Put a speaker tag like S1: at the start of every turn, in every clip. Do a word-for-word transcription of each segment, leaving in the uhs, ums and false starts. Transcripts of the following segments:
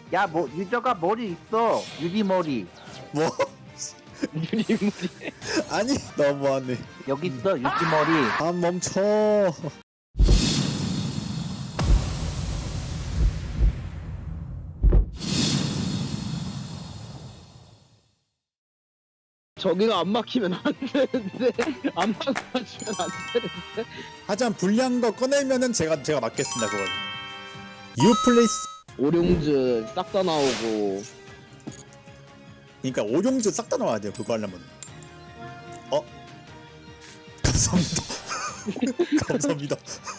S1: 야, 뭐 유저가 머리 있어. 유리 머리.
S2: 뭐?
S3: 유리물이.
S2: 아니 너무하네.
S1: 여기 있어. 유리 머리.
S2: 아 멈춰.
S3: 저기가 안 막히면 안 되는데 안 막아주면 안 되는데.
S2: 하지만 불리한 거 꺼내면은 제가 제가 맞겠습니다 그건. 유플레이스.
S3: 오룡즈 싹 다 나오고.
S2: 그러니까 오룡즈 싹 다 나와야 돼요 그거 하려면. 어? 감사합니다. 감사합니다.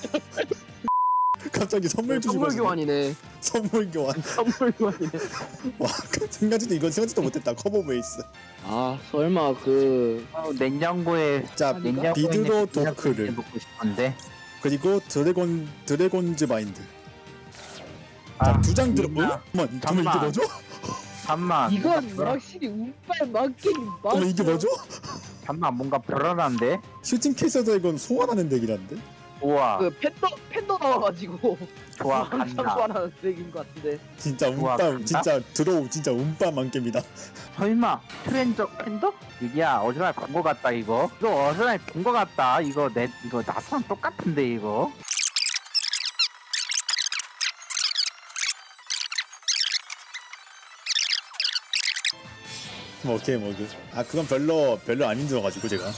S2: 갑자기 선물 주시고
S3: 선물
S2: 가시네.
S3: 교환이네.
S2: 선물 교환.
S3: 선물 교환이네.
S2: 와 생각지도 이건 생각지도 못했다. 커버 베이스.
S3: 아 설마 그
S1: 어, 냉장고에
S2: 자
S3: 아닌가?
S1: 냉장고에
S2: 비드로
S1: 있는
S2: 도크를
S1: 먹고 싶은데.
S2: 그리고 드래곤 드래곤즈 마인드.
S1: 아,
S2: 자 두 장 들어.
S1: 이거야.
S2: 어? 잠깐만 잠깐만 이게
S1: 잠깐만.
S2: 뭐죠?
S1: 잠만.
S3: 이건 확실히 운빨 맞긴 맞.
S2: 잠깐만 이게 뭐죠?
S1: 잠만 뭔가 불안한데.
S2: 슈팅 케이스에서 이건 소환하는 덱이란데?
S1: 우와.
S3: 그 팬더 팬더 나와가지고
S1: 좋아
S3: 항상
S1: 간다.
S3: 소환하는 덱인 것 같은데.
S2: 진짜
S1: 우와,
S2: 운빨
S1: 간다?
S2: 진짜 드로우 진짜 운빨 만개입니다.
S1: 설마 트렌저 팬더? 이게야 어디서 본 거 같다 이거. 이거 어디서 본 거 같다. 이거 내 이거 나랑 똑같은데 이거.
S2: 뭐 오케이 뭐그. 아 그건 별로 별로 안 힘들어가지고 제가.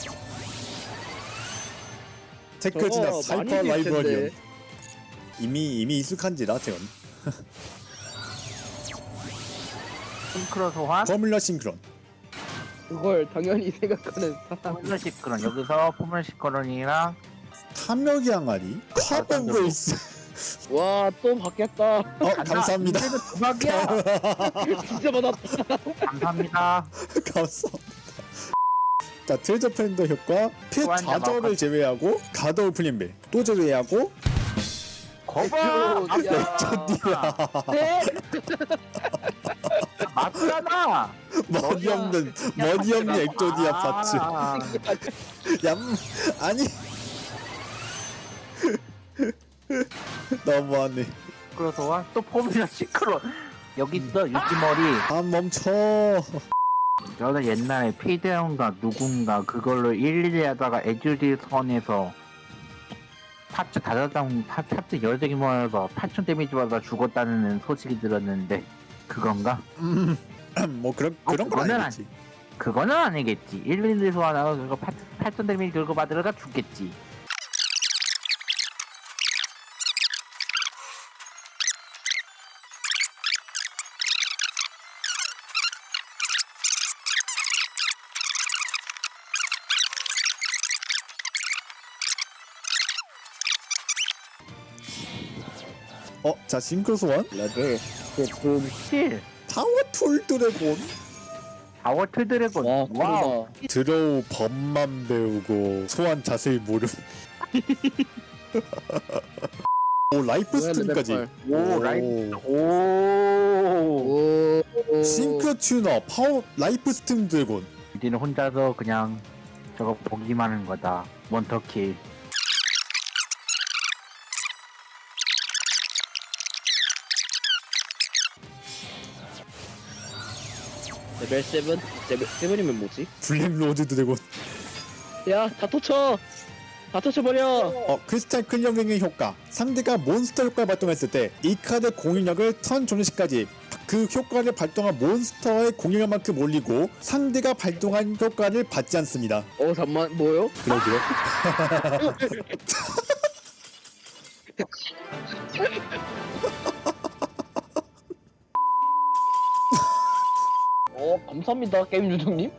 S2: 테크지나
S3: 저거 많이
S2: 사이퍼
S3: 뛸
S2: 라이브러리온
S3: 텐데.
S2: 이미 이미 익숙한지라 제가.
S1: 싱크로 소환.
S2: 포뮬러 싱크론.
S3: 그걸 당연히 생각하는 사람.
S1: 포뮬러 시크론 여기서 포뮬러 시크론이랑
S2: 탐욕의 항아리. 커버 베이스.
S3: 와 또 받겠다.
S2: 어 감사합니다.
S1: 이래도 대박이야.
S3: 진짜 받았다.
S1: 감사합니다.
S2: 감사합니다. 자 트레저 팬더 효과 핏
S1: 소환자
S2: 좌절을
S1: 마우카.
S2: 제외하고 가드 오브 플랜벨 또 제외하고
S1: 거봐.
S3: 야. 네.
S1: 맞잖아.
S2: 머리 없는 머리 없는 액조디아 파츠.
S1: 아,
S2: 얌 아니 너무하네.
S1: 싱크로 소환 또 포뮬러 시크론. 여기 있어 유기머리.
S2: 아 멈춰.
S1: 저는 옛날에 피데온가 누군가 그걸로 일일이 하다가 에듀디 선에서 파츠 다섯 장 파- 파츠 여러 장이 모여서 팔천 데미지 받아 죽었다는 소식이 들었는데 그건가?
S2: 뭐 그런 그런 건
S1: 그거는
S2: 아니겠지.
S1: 그거는 아니겠지. 일일이 소환하고 그거 팔천 데미지 들고 받으러가 죽겠지.
S2: 어, 자 싱크 소환
S3: 레벨 제품.
S1: 실
S2: 타워 툴 드래곤
S1: 다워트 드래곤.
S3: 와
S1: 와우.
S3: 크다.
S2: 드로우 법만 배우고 소환 자세히 모름. 오 라이프 스트림까지.
S1: 오 라이프. 오.
S3: 오.
S2: 싱크 튜너 파워 라이프 스트림 드래곤.
S1: 이제는 혼자서 그냥 저거 보기만 하는 거다. 원터킬.
S3: 레벨 세븐. 레벨 세븐이면 뭐지?
S2: 블랙 로즈 드래곤.
S3: 야 다 터쳐. 다 터쳐버려.
S2: 어 크리스탈 클리어링의 효과. 상대가 몬스터 효과를 발동했을 때 이 카드 공격력을 턴 종료시까지 그 효과를 발동한 몬스터의 공격력만큼 올리고 상대가 발동한 효과를 받지 않습니다.
S3: 어 잠만 뭐요?
S2: 그러게요.
S3: 어 감사합니다 게임 유정님.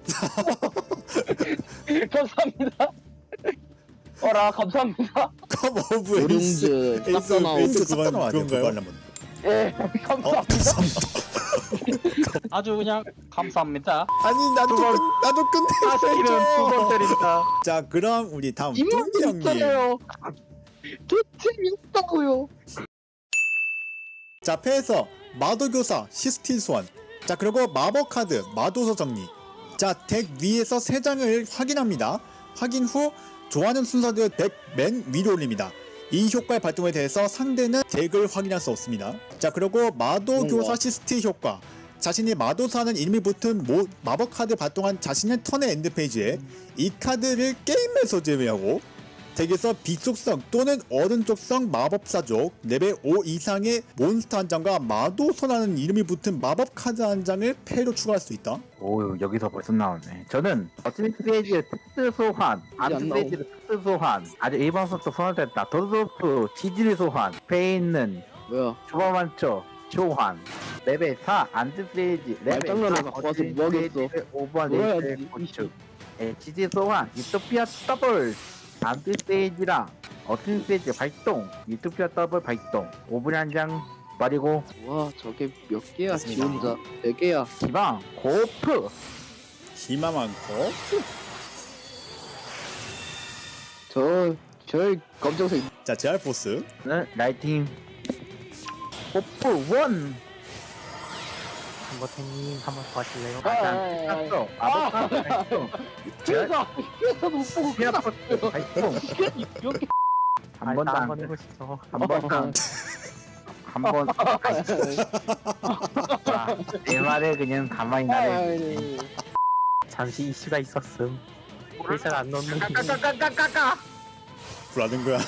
S3: 감사합니다. 어라 감사합니다.
S2: 컴 오브 에이스.
S3: 오룡즈 싹
S2: 에이스
S3: 다 나오고.
S2: 에이스 그건 그건가요?
S3: 예
S2: 어
S3: 감사합니다.
S2: 감사합니다.
S4: 아주 그냥 감사합니다.
S2: 아니 나도
S3: 두 번.
S2: 끝, 나도
S4: 사실은 두 번
S2: 끝내줘.
S4: 때린다.
S2: 자 그럼 우리 다음 뚱기
S3: 이만
S2: 형님.
S3: 있잖아요. 저 재미없다고요.
S2: 자 패에서 마도교사 시스틸 소환. 자 그리고 마법 카드 마도서 정리. 자 덱 위에서 세 장을 확인합니다. 확인 후 좋아하는 순서대로 덱 맨 위로 올립니다. 이 효과의 발동에 대해서 상대는 덱을 확인할 수 없습니다. 자 그리고 마도교사 시스트의 효과. 자신이 마도사는 이름이 붙은 모, 마법 카드 발동한 자신의 턴의 엔드페이지에 이 카드를 게임에서 제외하고 덱에서 비속성 또는 어른 쪽성 마법사족 레벨 오 이상의 몬스터 한 장과 마도서라는 이름이 붙은 마법 카드 한 장을 패로 추가할 수 있다.
S1: 오 여기서 벌써 나오네. 저는 어스미스페이지의 특수 소환, 암스페이지의 특수 소환, 아주 일반속도 소환됐다. 도드로프 지질 소환, 배에 있는
S3: 뭐야?
S1: 주바만초 소환, 레벨 사 안드페이지, 레벨
S3: 말장난을
S1: 사
S3: 갖고 와서 뭐 하겠어?
S1: 오버
S3: 뭐야,
S1: 레벨
S3: 이-
S1: 고축, 지질 소환, 유토피아 더블, 안드페이지랑 어스미스페이지 발동, 유토피아 더블 발동, 오 분에 한 장 버리고
S3: 와 저게 몇 개야? 지
S1: 맞습니다.
S3: 혼자 네 개야.
S1: 기방 고프.
S2: 힘만 많고
S3: 저저 검정색
S2: 자 제알 보스
S1: 네, 라이팅 고프 원.
S5: 한버태님 한번 더 하실래요?
S3: 아,
S1: 땄어. 아보카도 발동.
S3: 그래서 그래서 못 보고
S1: 피아포스 발동.
S3: 여기
S1: 한 번당
S5: 한번 해보시죠.
S1: 한 번당 한 번. 자, 내 말을 그냥 가만히 나를.
S3: 아이,
S5: 잠시 이슈가 있었음. 회사를 안 넣는
S1: 까까까까까까
S2: 불하는 거야.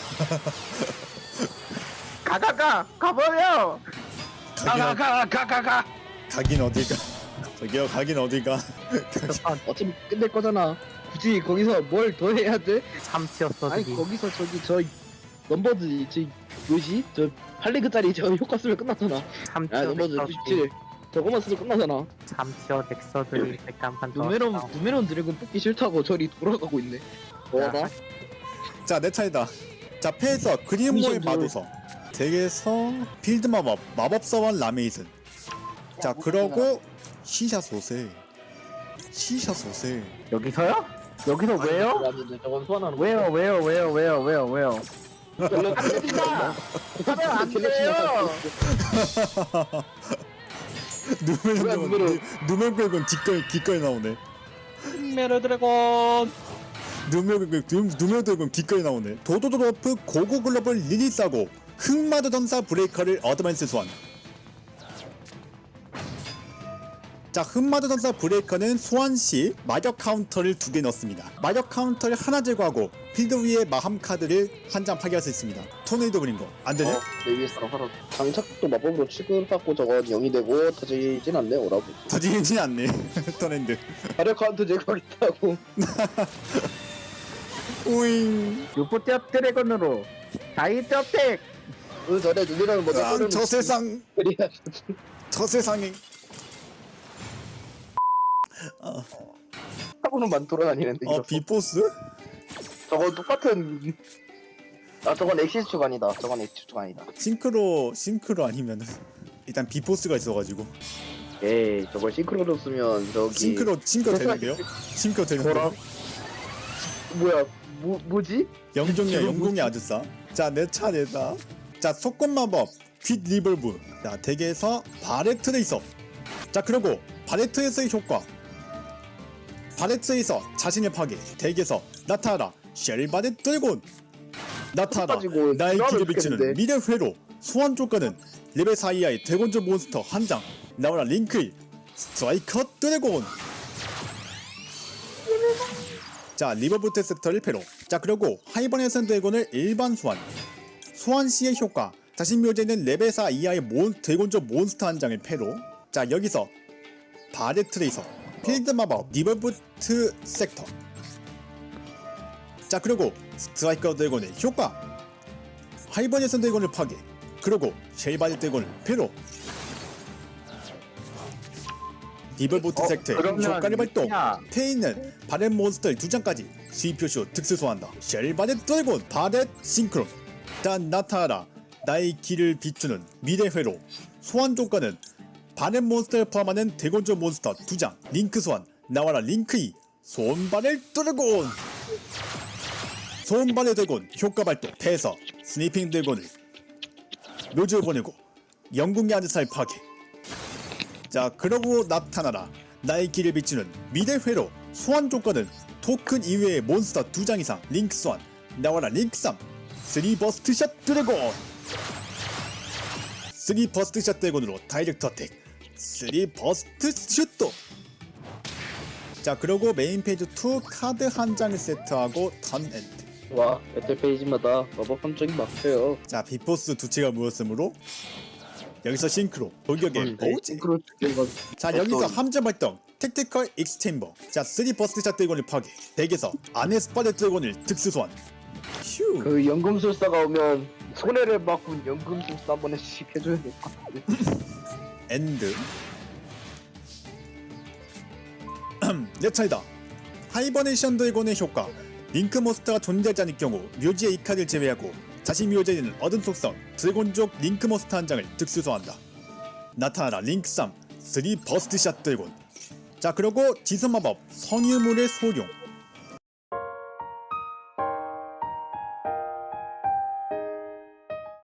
S1: 가가가 가버려.
S2: 가긴, 어-
S3: 가가가가가가.
S2: 가긴 어딜가. 저기요 가긴 어딜가.
S3: 어차피 끝낼 거잖아. 굳이 거기서 뭘 더 해야 돼?
S5: 참치였어.
S3: 아니
S5: 저기.
S3: 거기서 저기 저 넘버드 저 뭐지? 저 팔 레그짜리 저 효과 쓰면 끝나잖아. 야
S5: 참치어
S3: 넘버드
S5: 넥서드.
S3: 구십칠 저거만 쓰면 끝나잖아.
S5: 참치어 넥서드 백간판 더.
S3: 누메론 누메론 드래곤 뽑기 싫다고 저리 돌아가고 있네. 뭐다?
S2: 자 내 차례다. 자 패에서 그린모의
S3: 미션
S2: 마도서 덱에서 필드 마법 마법사원 라메이슨. 자 그러고 시샤 소세 시샤 소세
S1: 여기서요? 여기서 왜요?
S3: 저건 소환하는
S1: 왜요? 왜요? 왜요? 왜요? 왜요? 왜요? 안 됩니다. 하면 안 돼요.
S2: 누멜
S3: 뭐야, 누멜은?
S2: 누멜 긁은 기꺼이 기꺼이 나오네.
S4: 메르 드래곤.
S2: 누멜 긁은 누멜 긁은 기꺼이 나오네. 도도도로프 고고 글러블 리리스하고 흑마드 전사 브레이커를 어드밴스 소환. 자 흑마드 전사 브레이커는 소환 시 마력 카운터를 두 개 넣습니다. 마력 카운터를 하나 제거하고 필드 위에 마함 카드를 한 장 파괴할 수 있습니다. 토네이도 그린 거 안 되네?
S3: 어, 내 위에서 하라. 장착도 마법으로 취급받고 저건 영이 되고 터지진 않네 오라고.
S2: 터지진 않네. 토네이드.
S3: 화력 카운트 제거하겠다고.
S2: 우잉.
S1: 유포티아 드래곤으로 다이트 어택.
S3: 그 전에 눈이라는 먼저
S2: 아,
S3: 꺼내는
S2: 저 세상
S3: 그래야
S2: 저 세상에.
S3: 사고는만 돌아다니는데.
S2: 어
S3: 이거.
S2: 비포스?
S3: 저건 똑같은. 아 저건 엑시스 주간이다. 저건 엑시스 주간이다.
S2: 싱크로 싱크로 아니면은 일단 비포스가 있어가지고
S3: 에이 저걸 싱크로로 쓰면 저기.
S2: 싱크로 싱크로 되는데요? 싱크로 되는데요?
S3: 뭐야 뭐 뭐지?
S2: 영종이야
S3: 지금
S2: 영공이 아주 싸. 자 내 차례다. 자 속권 마법 퀵 리볼브. 자 덱에서 바레트를 있어. 자 그리고 바레트에서의 효과. 바레트에서 자신의 파괴. 덱에서 나타나라 쉘바드 드래곤. 나타나라
S3: 가지고
S2: 나의
S3: 드라마를
S2: 길을 비추는
S3: 죽겠는데.
S2: 미래 회로. 소환 조건은 레벨 사 이하의 드래곤즈 몬스터 한 장. 나와라 링크일 스트라이커 드래곤. 자 리버부트 세터를 패로. 자 그리고 하이버네이션 드래곤을 일반 소환. 소환 시의 효과. 자신 묘지에 있는 레벨 사 이하의 몬, 드래곤즈 몬스터 한 장을 패로. 자 여기서 바레 트레이서 필드 마법 리버부트 섹터. 자 그리고 스트라이커 드래곤의 효과. 하이버네이션 드래곤을 파괴. 그리고 쉘바디 드래곤을 패로. 리버부트
S1: 어,
S2: 섹터의
S1: 그러면
S2: 효과를 발동.
S1: 루피아.
S2: 패에 있는 바렛 몬스터 두 장까지 수입 표시로 특수 소환한다. 쉘바렛 드래곤 바렛 싱크론. 단 나타나라 나의 길을 비추는 미래 회로. 소환 조건은 바렛 몬스터를 포함하는 대곤조 몬스터 두 장. 링크 소환. 나와라 링크이 손바렛 드래곤. 손바렛 드래곤 효과 발동. 패에서 스니핑 드래곤을 묘지로 보내고 영궁의 아드살 파괴. 자 그러고 나타나라 나의 길을 비추는 미래 회로. 소환 조건은 토큰 이외의 몬스터 두 장 이상 링크 소환. 나와라 링크 삼 쓰리 버스트 샷 드래곤. 쓰리 버스트 샷 드래곤으로 다이렉트 어택. 쓰리 버스트 슛도. 자 그리고 메인 페이지 이 카드 한 장을 세트하고 턴 엔드.
S3: 와 배틀 페이지마다 마법 함정이 막혀요.
S2: 자 비포스 두 채가 모였으므로 여기서 싱크로 돌격의 보지.
S3: 싱크로 죽여가.
S2: 자 여기서 함정 발동 택티컬 익스체인버. 자 쓰리 버스트 샷 드래곤을 파괴. 덱에서 안에 스파드 드래곤을 특수 소환. 휴.
S3: 그 연금술사가 오면 손해를 막고 연금술사 한 번씩 해줘야 될 것 같은데.
S2: 엔드. 내 차이다. 하이버네이션 드래곤의 효과. 링크 몬스터가 존재하지 않을 경우 묘지의 이 카드를 제외하고 자신 묘지에 있는 어둠 속성 드래곤족 링크 몬스터 한 장을 특수 소환한다. 나타나라 링크 삼 쓰리 버스트 샷 드래곤. 자 그리고 지선 마법 성유물의 소용.